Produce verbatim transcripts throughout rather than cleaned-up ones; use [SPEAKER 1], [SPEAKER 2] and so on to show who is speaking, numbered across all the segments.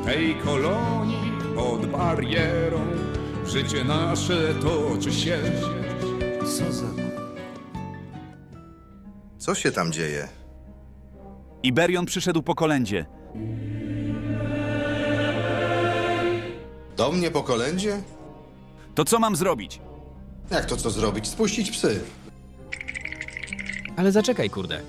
[SPEAKER 1] tej kolonii pod barierą życie nasze toczy się.
[SPEAKER 2] Co za...
[SPEAKER 3] Co się tam dzieje?
[SPEAKER 4] Iberion przyszedł po kolędzie.
[SPEAKER 3] Do mnie po kolędzie?
[SPEAKER 4] To co mam zrobić?
[SPEAKER 3] Jak to co zrobić? Spuścić psy.
[SPEAKER 2] Ale zaczekaj, kurde.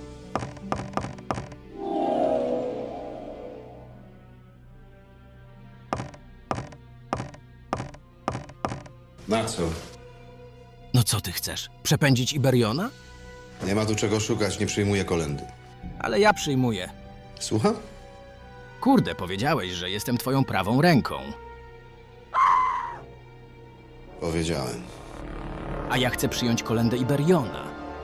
[SPEAKER 3] Na co?
[SPEAKER 2] No co ty chcesz? Przepędzić Iberiona?
[SPEAKER 3] Nie ma tu czego szukać, nie przyjmuję kolendy.
[SPEAKER 2] Ale ja przyjmuję.
[SPEAKER 3] Słucham?
[SPEAKER 2] Kurde, powiedziałeś, że jestem twoją prawą ręką.
[SPEAKER 3] Powiedziałem.
[SPEAKER 2] A ja chcę przyjąć kolędę Iberiona.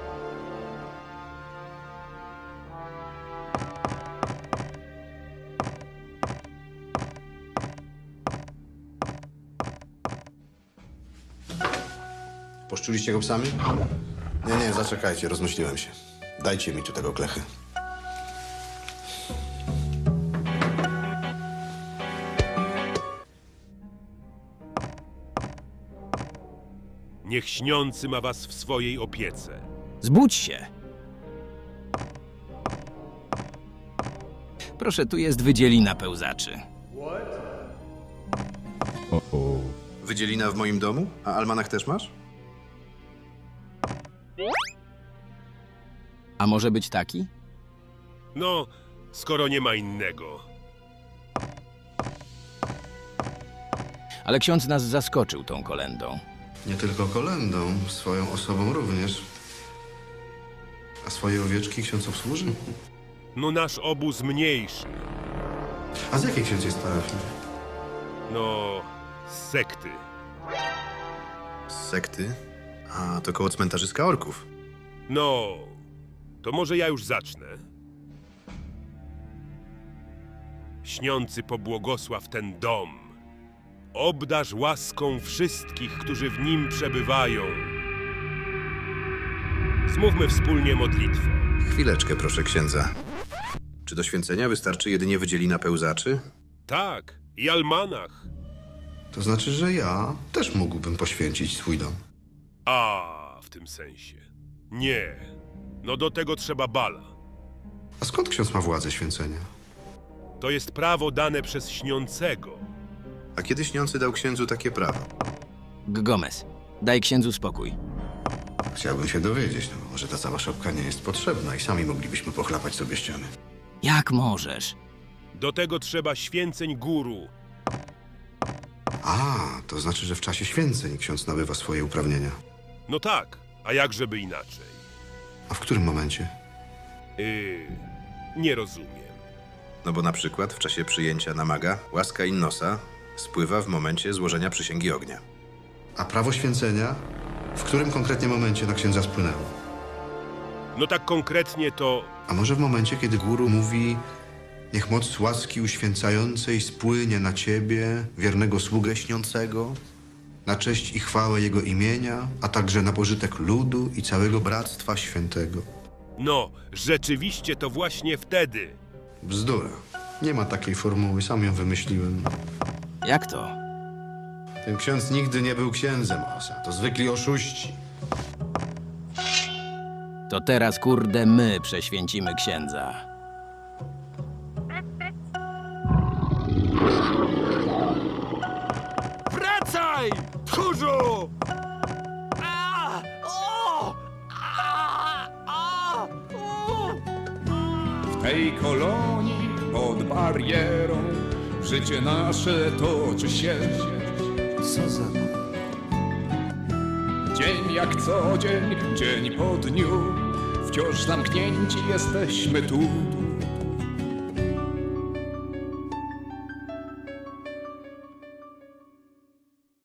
[SPEAKER 3] Poszczuliście go psami? Nie, nie, zaczekajcie, rozmyśliłem się. Dajcie mi tu tego klechy.
[SPEAKER 5] Niech śniący ma was w swojej opiece.
[SPEAKER 2] Zbudź się! Proszę, tu jest wydzielina pełzaczy.
[SPEAKER 3] Wydzielina w moim domu? A almanach też masz?
[SPEAKER 2] A może być taki?
[SPEAKER 5] No, skoro nie ma innego.
[SPEAKER 2] Ale ksiądz nas zaskoczył tą kolendą.
[SPEAKER 3] Nie tylko kolendą, swoją osobą również. A swoje owieczki ksiądz obsłuży?
[SPEAKER 5] No nasz obóz mniejszy.
[SPEAKER 3] A z jakiej ksiądz jest parafii?
[SPEAKER 5] No, z sekty.
[SPEAKER 3] Z sekty? A, to koło cmentarzyska orków.
[SPEAKER 5] No, to może ja już zacznę. Śniący pobłogosław ten dom. Obdarz łaską wszystkich, którzy w nim przebywają. Zmówmy wspólnie modlitwę.
[SPEAKER 3] Chwileczkę, proszę księdza. Czy do święcenia wystarczy jedynie wydzielina pełzaczy?
[SPEAKER 5] Tak, i almanach.
[SPEAKER 3] To znaczy, że ja też mógłbym poświęcić swój dom.
[SPEAKER 5] A, w tym sensie. Nie. No do tego trzeba bala.
[SPEAKER 3] A skąd ksiądz ma władzę święcenia?
[SPEAKER 5] To jest prawo dane przez śniącego.
[SPEAKER 3] A kiedy śniący dał księdzu takie prawo?
[SPEAKER 2] Gomez, daj księdzu spokój.
[SPEAKER 3] Chciałbym się dowiedzieć, no może ta cała szopka nie jest potrzebna i sami moglibyśmy pochlapać sobie ściany.
[SPEAKER 2] Jak możesz?
[SPEAKER 5] Do tego trzeba święceń guru.
[SPEAKER 3] A, to znaczy, że w czasie święceń ksiądz nabywa swoje uprawnienia.
[SPEAKER 5] No tak, a jakżeby inaczej?
[SPEAKER 3] A w którym momencie?
[SPEAKER 5] Yy, nie rozumiem.
[SPEAKER 3] No bo na przykład w czasie przyjęcia na maga łaska Innosa spływa w momencie złożenia przysięgi ognia. A prawo święcenia? W którym konkretnie momencie na księdza spłynęło?
[SPEAKER 5] No tak konkretnie to...
[SPEAKER 3] A może w momencie, kiedy guru mówi: niech moc łaski uświęcającej spłynie na ciebie, wiernego sługę śniącego, na cześć i chwałę jego imienia, a także na pożytek ludu i całego Bractwa Świętego.
[SPEAKER 5] No, rzeczywiście to właśnie wtedy.
[SPEAKER 3] Bzdura. Nie ma takiej formuły, sam ją wymyśliłem.
[SPEAKER 2] Jak to?
[SPEAKER 3] Ten ksiądz nigdy nie był księdzem, Osa. To zwykli oszuści.
[SPEAKER 2] To teraz, kurde, my prześwięcimy księdza.
[SPEAKER 5] Wracaj, tchórzu! A! O! A! A! U!
[SPEAKER 1] W tej kolonii pod barierą życie nasze toczy się.
[SPEAKER 2] Co za...
[SPEAKER 1] Dzień jak co dzień, dzień po dniu, wciąż zamknięci jesteśmy tu.